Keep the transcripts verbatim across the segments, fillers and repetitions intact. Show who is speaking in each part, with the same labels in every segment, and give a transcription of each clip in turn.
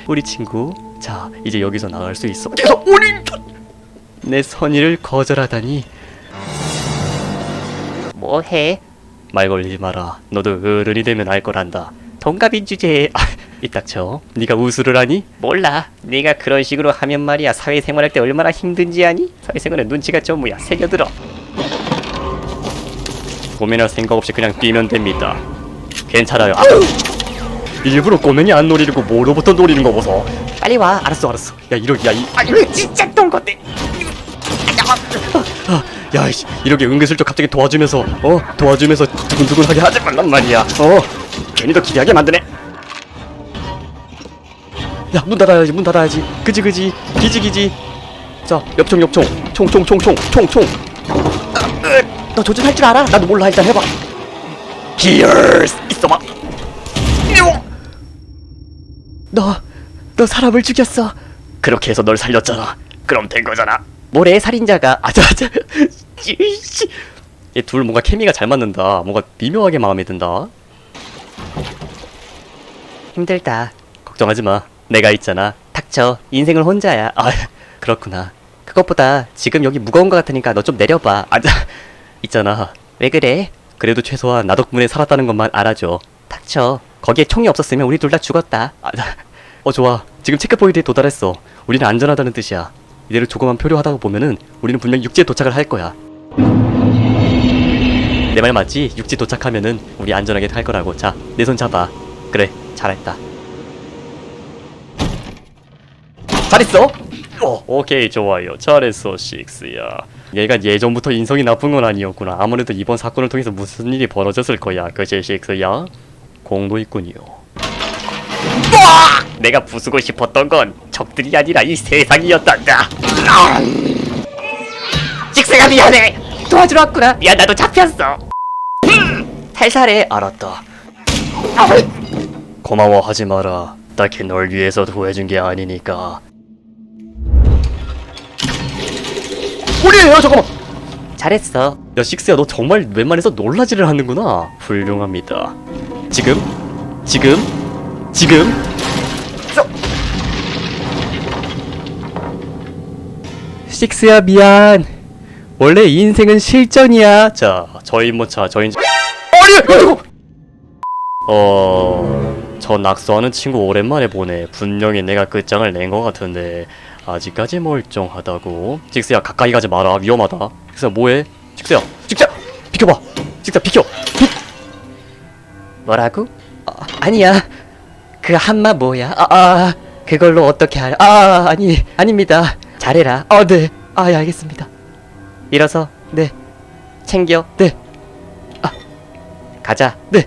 Speaker 1: 우리 친구. 자, 이제 여기서 나갈 수 있어. 계속 우리 내 선의를 거절하다니. 뭐해? 말 걸리지 마라. 너도 어른이 되면 알 거란다. 동갑인 주제에 아, 이딱쳐. 네가 우수를 하니? 몰라. 네가 그런 식으로 하면 말이야 사회생활할 때 얼마나 힘든지 아니? 사회생활은 눈치가 좀 뭐야 새겨들어. 고민할 생각 없이 그냥 뛰면 됩니다. 괜찮아요. 아우! 일부러 꼬맹이 안 노리고 뭐로부터 노리는 거 보소. 빨리 와. 알았어 알았어. 야 이러 야이 아 이거 진짜 똥 건데. 야 이씨 이렇게 은근슬쩍 갑자기 도와주면서 어 도와주면서 두근두근하게 하지 말란 말이야. 어 괜히 더 기대하게 만드네. 야 문 닫아야지 문 닫아야지. 그지 그지 기지 기지. 자 엽총 엽총 총총총총 총총. 너 조준할 줄 알아? 나도 몰라. 일단 해봐. 히얼스 있어봐. 너, 너 사람을 죽였어. 그렇게 해서 널 살렸잖아. 그럼 된 거잖아. 모래의 살인자가 아자아자. 얘 둘 뭔가 케미가 잘 맞는다. 뭔가 미묘하게 마음에 든다. 힘들다. 걱정하지 마. 내가 있잖아. 닥쳐. 인생을 혼자야. 아 그렇구나. 그것보다 지금 여기 무거운 거 같으니까 너 좀 내려봐. 아자. 있잖아. 왜 그래? 그래도 최소한 나 덕분에 살았다는 것만 알아줘. 닥쳐. 거기에 총이 없었으면 우리 둘 다 죽었다. 아, 어 좋아. 지금 체크포인트에 도달했어. 우리는 안전하다는 뜻이야. 이대로 조금만 표류하다 보면은 우리는 분명 육지에 도착을 할 거야. 내 말 맞지? 육지 도착하면은 우리 안전하게 갈 거라고. 자, 내 손 잡아. 그래, 잘했다. 잘했어? 어, 오케이, 좋아요. 잘했어, 식스야. 얘가 예전부터 인성이 나쁜 건 아니었구나. 아무래도 이번 사건을 통해서 무슨 일이 벌어졌을 거야. 그치, 식스야? 공도 있군요. 으악! 내가 부수고 싶었던 건 적들이 아니라 이 세상이었단다. 식스가 미안해. 도와주러 왔구나. 미안, 나도 잡혔어. 살살해. 알았다. 고마워하지 마라. 딱히 널 위해서 구해준 게 아니니까. 우리예요. 잠깐만. 잘했어. 야 식스야, 너 정말 웬만해서 놀라지를 하는구나. 훌륭합니다. 지금 지금 지금 저... 식스야 미안. 원래 인생은 실전이야. 자 저희 뭐자 저희 아니 어저 낙서하는 친구 오랜만에 보네. 분명히 내가 끝장을 낸 것 같은데 아직까지 멀쩡하다고. 식스야 가까이 가지 마라. 위험하다. 식스야 뭐해? 식스야 식스야 비켜봐. 식스야 비켜. 비... 뭐라고? 아, 아니야. 그 한마 뭐야? 아, 아 그걸로 어떻게 할? 아 아니 아닙니다. 잘해라. 어 네. 아 예, 알겠습니다. 일어서. 네. 챙겨. 네. 아 가자. 네.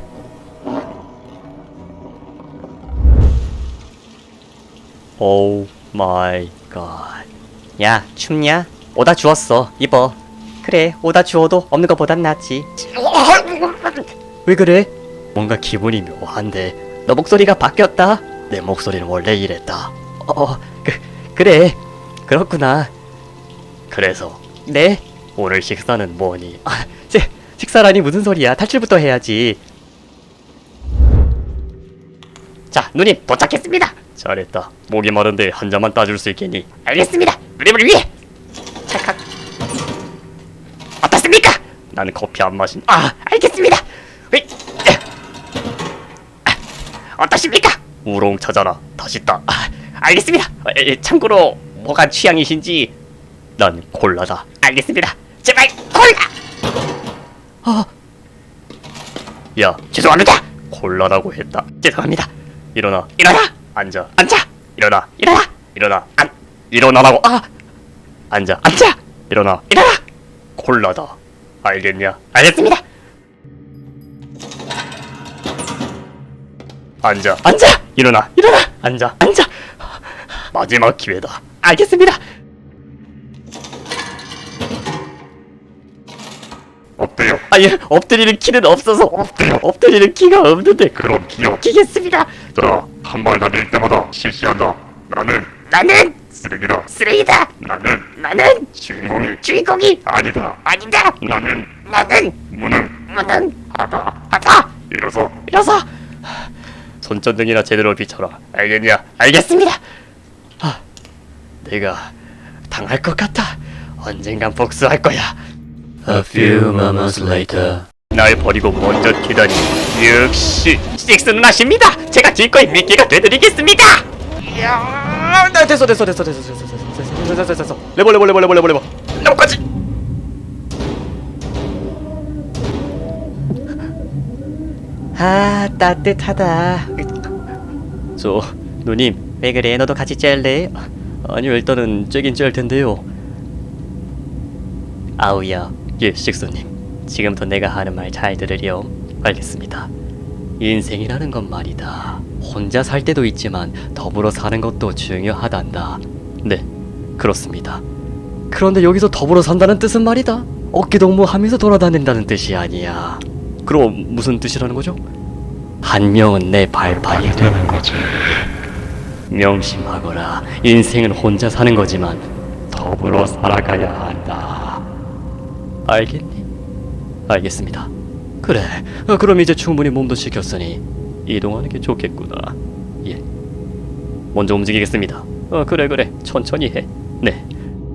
Speaker 1: 오 마이 갓. 야 춥냐? 오다 주웠어. 입어. 그래 오다 주워도 없는 것보단 낫지. 왜 그래? 뭔가 기분이 묘한데. 너 목소리가 바뀌었다. 내 목소리는 원래 이랬다. 어, 그, 그래. 그렇구나. 그래서 네? 오늘 식사는 뭐니? 아, 시, 식사라니 무슨 소리야. 탈출부터 해야지. 자, 누님 도착했습니다. 잘했다. 목이 마른데 한 잔만 따줄 수 있겠니? 알겠습니다. 누님을 위해. 찰칵. 어떻습니까? 나는 커피 안 마신. 아, 알겠습니다. 으이. 어떠십니까? 우롱 찾아라. 다시 따. 아, 알겠습니다. 에, 참고로 뭐가 취향이신지. 난 콜라다. 알겠습니다. 제발 콜라. 어. 야 죄송합니다. 콜라라고 했다. 죄송합니다. 일어나. 일어나. 앉아. 앉아. 일어나. 일어나. 일어나. 안. 일어나라고. 아. 앉아. 앉아. 일어나. 일어나. 콜라다. 알겠냐? 알겠습니다. 앉아. 앉아. 일어나. 일어나. 앉아. 앉아. 마지막 기회다. 알겠습니다. 엎드려. 아예 엎드리는 키는 없어서. 엎드려. 엎드리는 키가 없는데. 그럼 기억키겠습니다.
Speaker 2: 자, 한 발 날릴 때마다 실시한다. 나는
Speaker 1: 나는
Speaker 2: 쓰레기다.
Speaker 1: 쓰레기다.
Speaker 2: 나는
Speaker 1: 나는
Speaker 2: 주인공이
Speaker 1: 주인공이
Speaker 2: 아니다.
Speaker 1: 아니다.
Speaker 2: 나는
Speaker 1: 나는
Speaker 2: 무능
Speaker 1: 무능
Speaker 2: 하다.
Speaker 1: 하다.
Speaker 2: 일어서
Speaker 1: 일어서. 손전등이나 제대로 비춰라. 알겠냐? 알겠습니다. 아, 내가 당할 것 같아. 언젠간 복수할 거야.
Speaker 3: A few moments later.
Speaker 1: 날 버리고 먼저 튀다니. 역시 식스 누나십니다. 제가 기꺼이 미끼가 되드리겠습니다. 이야, 나 됐어 됐어 됐어 됐어 됐어 됐어 됐어 됐어 됐어. 레버 레버 레버 레버 레버 레버 레버까지. 아, 따뜻하다. 저 누님, 왜 그래? 너도 같이 짤래? 아니요, 일단은 쬐긴 짤 텐데요. 아우야, 예, 식스님. 지금부터 내가 하는 말 잘 들으렴. 알겠습니다. 인생이라는 건 말이다. 혼자 살 때도 있지만 더불어 사는 것도 중요하단다. 네, 그렇습니다. 그런데 여기서 더불어 산다는 뜻은 말이다. 어깨동무하면서 돌아다닌다는 뜻이 아니야. 그럼 무슨 뜻이라는 거죠? 한 명은 내 발판이 되는 거지. 명심하거라. 인생은 혼자 사는 거지만 더불어 살아가야 한다. 알겠니? 알겠습니다. 그래. 어, 그럼 이제 충분히 몸도 식혔으니 이동하는 게 좋겠구나. 예. 먼저 움직이겠습니다. 어, 그래 그래. 천천히 해. 네.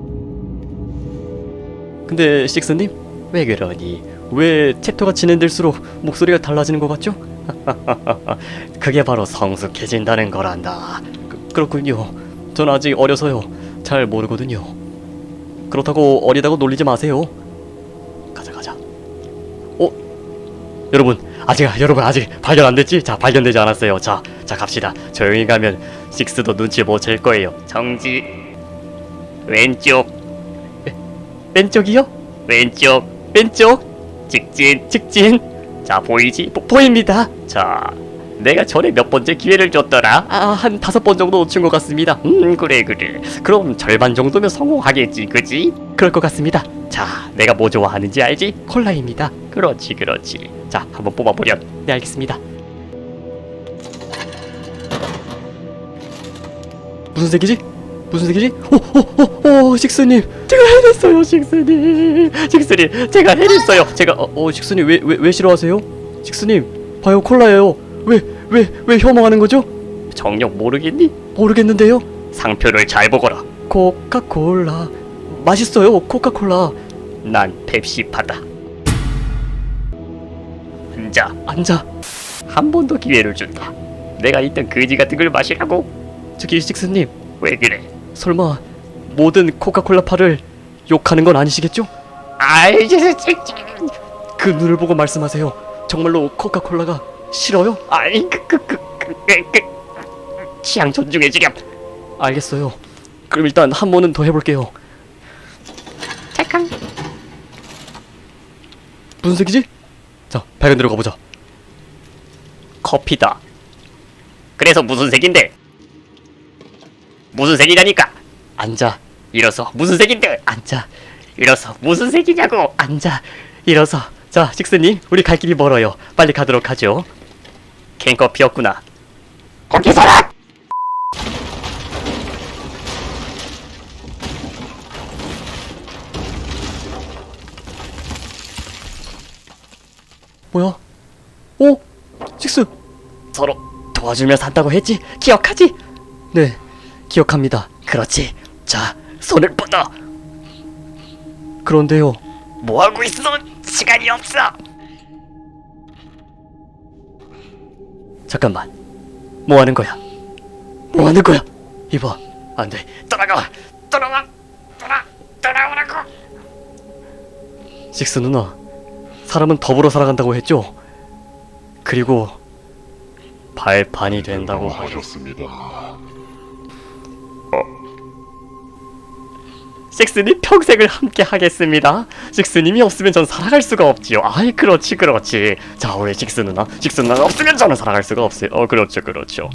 Speaker 1: 근데 식스님, 왜 그러니? 왜 챕터가 진행될수록 목소리가 달라지는 것 같죠? 그게 바로 성숙해진다는 거란다. 그, 그렇군요. 전 아직 어려서요. 잘 모르거든요. 그렇다고 어리다고 놀리지 마세요. 가자 가자. 어? 여러분 아직 여러분 아직 발견 안 됐지? 자, 발견되지 않았어요. 자, 자 갑시다. 조용히 가면 식스도 눈치 못 챌 거예요. 정지. 왼쪽. 왼, 왼쪽이요? 왼쪽. 왼쪽. 직진, 직진. 자, 보이지? 보, 보입니다. 자, 내가 전에 몇 번째 기회를 줬더라? 아, 한 다섯 번 정도 놓친 것 같습니다. 음, 그래, 그래. 그럼 절반 정도면 성공하겠지, 그지? 그럴 것 같습니다. 자, 내가 뭐 좋아하는지 알지? 콜라입니다. 그렇지, 그렇지. 자, 한번 뽑아보렴. 네, 알겠습니다. 무슨 색이지? 무슨 색이지? 오, 오, 오, 식스님, 제가 해냈어요, 식스님, 식스님, 제가 해냈어요. 제가, 어, 어 식스님, 왜, 왜, 왜 싫어하세요? 식스님, 봐요, 콜라예요. 왜, 왜, 왜 혐오하는 거죠? 정녕 모르겠니? 모르겠는데요. 상표를 잘 보거라. 코카콜라, 맛있어요, 코카콜라. 난 펩시파다. 앉아, 앉아. 한 번 더 기회를 준다. 내가 있던 거지 같은 걸 마시라고. 저기 식스님, 왜 그래? 설마 모든 코카콜라파를 욕하는 건 아니시겠죠? 아이, 그 눈을 보고 말씀하세요. 정말로 코카콜라가 싫어요? 아이, 그, 그, 그, 그, 그, 그. 취향 존중해주렴. 알겠어요. 그럼 일단 한 번은 더 해볼게요. 잠깐. 무슨 색이지? 자, 밝은 데로 가보자. 커피다. 그래서 무슨 색인데? 무슨 색이냐니까. 앉아. 일어서. 무슨 색인데? 앉아. 일어서. 무슨 색이냐고. 앉아. 일어서. 자, 식스님, 우리 갈 길이 멀어요. 빨리 가도록 하죠. 캔커피였구나. 거기 서라. 뭐야? 오, 식스. 서로 도와주며 산다고 했지? 기억하지? 네, 기억합니다. 그렇지. 자, 손을 뻗어. 그런데요. 뭐 하고 있어? 시간이 없어. 잠깐만. 뭐 하는 거야? 뭐 하는 거야? 이봐. 안 돼. 돌아가. 돌아와. 돌아. 돌아오라고. 식스 누나, 사람은 더불어 살아간다고 했죠? 그리고 발판이 된다고
Speaker 2: 하셨습니다.
Speaker 1: 식스님 평생을 함께 하겠습니다. 식스님이 없으면 전 살아갈 수가 없지요. 아이, 그렇지 그렇지. 자, 우리 식스 누나, 식스 누나 없으면 저는 살아갈 수가 없어요. 어, 그렇죠 그렇죠.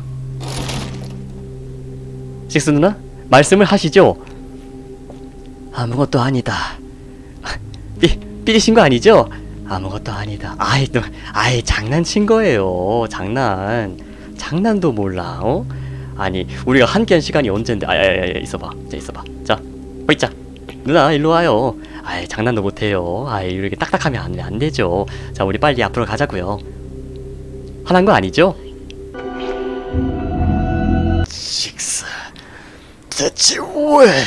Speaker 1: 식스 누나, 말씀을 하시죠. 아무것도 아니다. 삐, 삐리신 거 아니죠? 아무것도 아니다. 아이, 너, 아이, 장난친 거예요. 장난. 장난도 몰라, 어? 아니, 우리가 함께한 시간이 언젠데. 아, 야, 야, 야, 있어봐. 자, 있어봐. 자, 호이자. 누나, 일로 와요. 아이, 장난도 못해요. 아이, 이렇게 딱딱하면 안, 안 되죠. 자, 우리 빨리 앞으로 가자고요. 화난 거 아니죠? 식스. 대체 왜?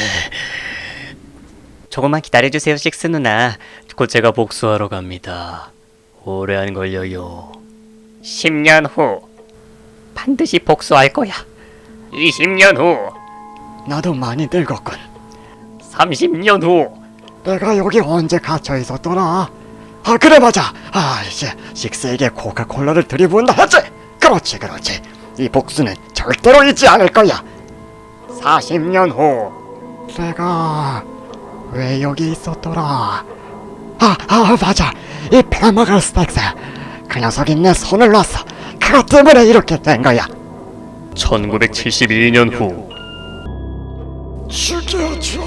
Speaker 1: 조금만 기다려주세요, 식스 누나. 곧 제가 복수하러 갑니다. 오래 안 걸려요. 십 년 후 반드시 복수할 거야. 이십 년 후 나도 많이 늙었군. 삼십 년 후 내가 여기 언제 갇혀 있었더라? 아 그래 맞아. 아 이제 식스에게 코카콜라를 들이부은다 했지? 그렇지 그렇지. 이 복수는 절대로 잊지 않을 거야. 사십 년 후 내가 왜 여기 있었더라? 아, 아 맞아. 이 페마갈 스택스 그 녀석이 내 손을 놨어. 그것 때문에 이렇게 된 거야. 천구백칠십이 년 후 죽여줘.